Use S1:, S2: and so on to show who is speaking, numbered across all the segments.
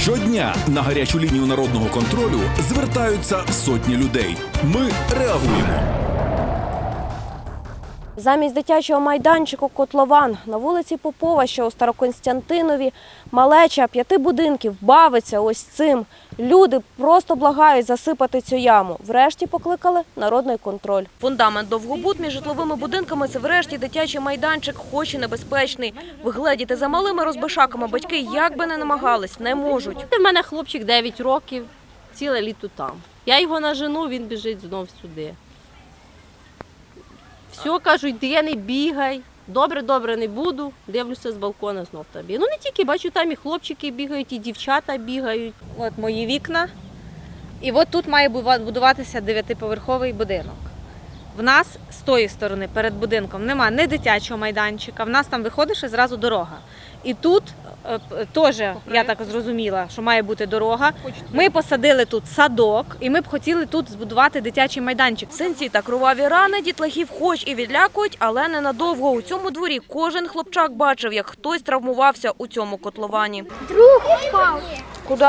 S1: Щодня на гарячу лінію народного контролю звертаються сотні людей. Ми реагуємо.
S2: Замість дитячого майданчику котлован на вулиці Попова, що у Старокостянтинові, малеча 5 будинків бавиться ось цим. Люди просто благають засипати цю яму. Врешті покликали народний контроль. Фундамент довгобуд між житловими будинками – це врешті дитячий майданчик, хоч і небезпечний. Вигледіти за малими розбишаками батьки, як би не намагались, не можуть.
S3: У мене хлопчик 9 років, ціле літо там. Я його нажену, він біжить знов сюди. Все, кажуть, йди, не бігай. Добре, не буду. Дивлюся з балкона, знов там бігаю. Ну не тільки, бачу, там і хлопчики бігають, і дівчата бігають.
S4: От мої вікна. І от тут має будуватися 9-поверховий будинок. В нас з тої сторони, перед будинком, нема ні дитячого майданчика, в нас там виходиш і зразу дорога. І тут теж, я так зрозуміла, що має бути дорога. Ми посадили тут садок, і ми б хотіли тут збудувати дитячий майданчик.
S2: Синці та кроваві рани дітлахів хоч і відлякують, але ненадовго. У цьому дворі кожен хлопчак бачив, як хтось травмувався у цьому котловані.
S5: Друг впав.
S2: Куди?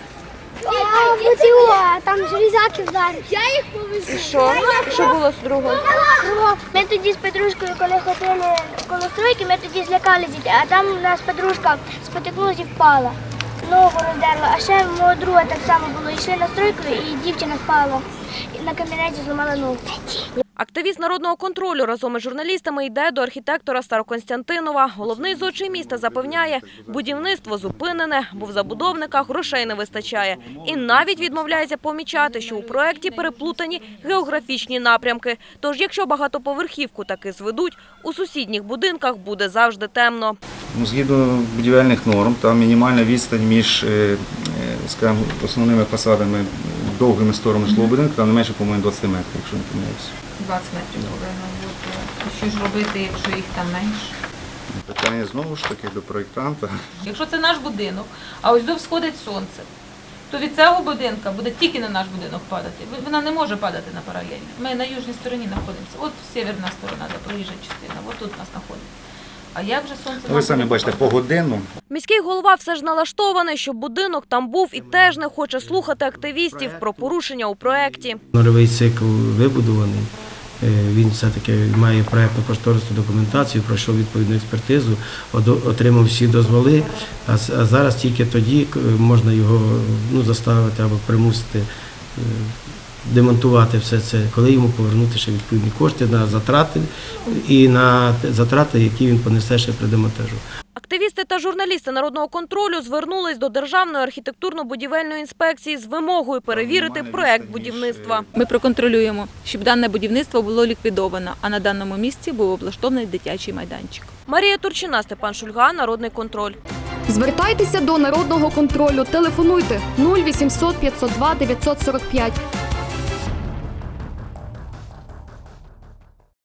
S5: Там железяки вдарили. Я їх повезу.
S2: І що? Що було з другом?
S5: Ми тоді з подружкою, коли ходили коло стройки, ми тоді злякалися, а там у нас подружка спотикнулася і впала. Ногу роздерла, а ще мого друга так само було. Йшли на стройку і дівчина впала. І на камінеці зламала ногу.
S2: Активіст народного контролю разом із журналістами йде до архітектора Старокостянтинова. Головний зодчий міста запевняє, будівництво зупинене, бо в забудовниках грошей не вистачає. І навіть відмовляється помічати, що у проєкті переплутані географічні напрямки. Тож, якщо багатоповерхівку таки зведуть, у сусідніх будинках буде завжди темно.
S6: Згідно будівельних норм, там мінімальна відстань між скажімо, основними фасадами, довгими сторонами житлового будинку, там не менше, по-моєму, 20 метрів, якщо не помиляюся.
S7: 20 метрів повинно бути. Що ж робити, якщо їх там менше?
S6: Питання знову ж таки до проєктанта.
S7: Якщо це наш будинок, а ось тут сходить сонце, то від цього будинку буде тільки на наш будинок падати. Вона не може падати на паралельно. Ми на южній стороні знаходимося. От северна сторона, де проїжджа частина, от тут нас знаходиться. А як же сонце?
S6: Ви самі бачите, погодинно.
S2: Міський голова все ж налаштований, щоб будинок там був і теж не хоче слухати активістів про порушення у проєкті.
S8: Нульовий цикл вибудований, він все-таки має проєктно-кошторисну документацію, пройшов відповідну експертизу, отримав всі дозволи, а зараз тільки тоді можна його заставити або примусити демонтувати все це, коли йому повернути ще відповідні кошти на затрати і на затрати, які він понесе ще при демонтажу.
S2: Активісти та журналісти народного контролю звернулись до Державної архітектурно-будівельної інспекції з вимогою перевірити проєкт будівництва.
S4: Ми проконтролюємо, щоб дане будівництво було ліквідовано, а на даному місці був облаштований дитячий майданчик.
S2: Марія Турчина, Степан Шульга, Народний контроль.
S9: Звертайтеся до народного контролю. Телефонуйте 0800 502 945